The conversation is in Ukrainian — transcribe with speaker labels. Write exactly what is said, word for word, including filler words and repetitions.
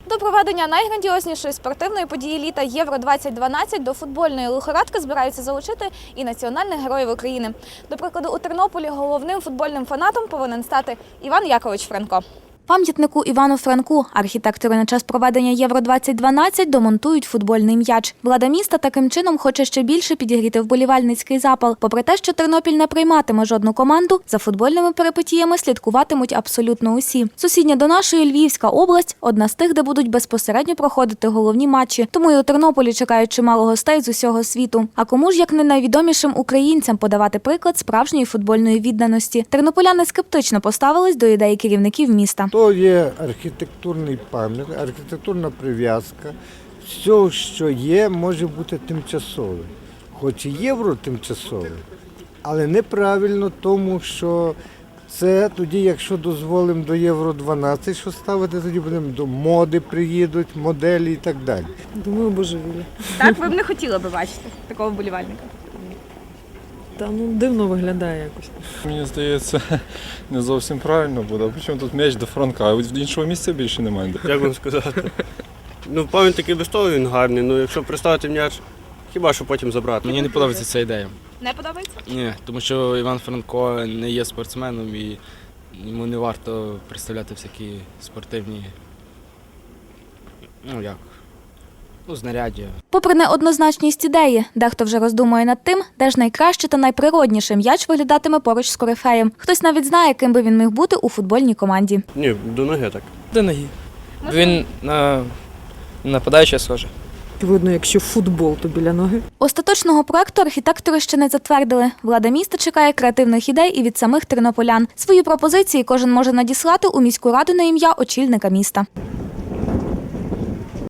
Speaker 1: До проведення найграндіознішої спортивної події літа Євро двадцять дванадцять до футбольної лихорадки збираються залучити і національних героїв України. До прикладу, у Тернополі головним футбольним фанатом повинен стати Іван Якович Франко. Пам'ятнику Івану Франку архітектори на час проведення Євро двадцять дванадцять домонтують футбольний м'яч. Влада міста таким чином хоче ще більше підігріти вболівальницький запал. Попри те, що Тернопіль не прийматиме жодну команду, за футбольними перипетіями слідкуватимуть абсолютно усі. Сусідня до нашої Львівська область – одна з тих, де будуть безпосередньо проходити головні матчі. Тому і у Тернополі чекають чимало гостей з усього світу. А кому ж, як не найвідомішим українцям, подавати приклад справжньої футбольної відданості? Тернополяни скептично поставились до ідеї керівників міста.
Speaker 2: То є архітектурний пам'ятник, архітектурна прив'язка. Все, що є, може бути тимчасове. Хоч і євро тимчасове, але неправильно, тому що це тоді, якщо дозволимо до Євро дванадцять, що ставити, тоді будемо до моди приїдуть, моделі і так далі.
Speaker 3: Думаю, божевілля.
Speaker 1: Так, ви б не хотіли би бачити такого вболівальника?
Speaker 3: Та ну дивно виглядає якось.
Speaker 4: Мені здається, не зовсім правильно буде. Причому тут м'яч до Франка, а іншого місця більше немає.
Speaker 5: Як вам сказати? Ну, пам'ятник і без того він гарний, ну якщо приставити м'яч, хіба що потім забрати.
Speaker 6: Мені не подобається ця ідея.
Speaker 1: Не подобається?
Speaker 6: Ні, тому що Іван Франко не є спортсменом і йому не варто представляти всякі спортивні, ну як, ну, знаряддя.
Speaker 1: Попри неоднозначність ідеї, дехто вже роздумує над тим, де ж найкраще та найприродніше м'яч виглядатиме поруч з корифеєм. Хтось навіть знає, ким би він міг бути у футбольній команді.
Speaker 5: Ні, до ноги так.
Speaker 7: До ноги. Він на нападаючий схожий.
Speaker 3: Видно, якщо футбол, то біля ноги.
Speaker 1: Остаточного проекту архітектори ще не затвердили. Влада міста чекає креативних ідей і від самих тернополян. Свої пропозиції кожен може надіслати у міську раду на ім'я очільника міста.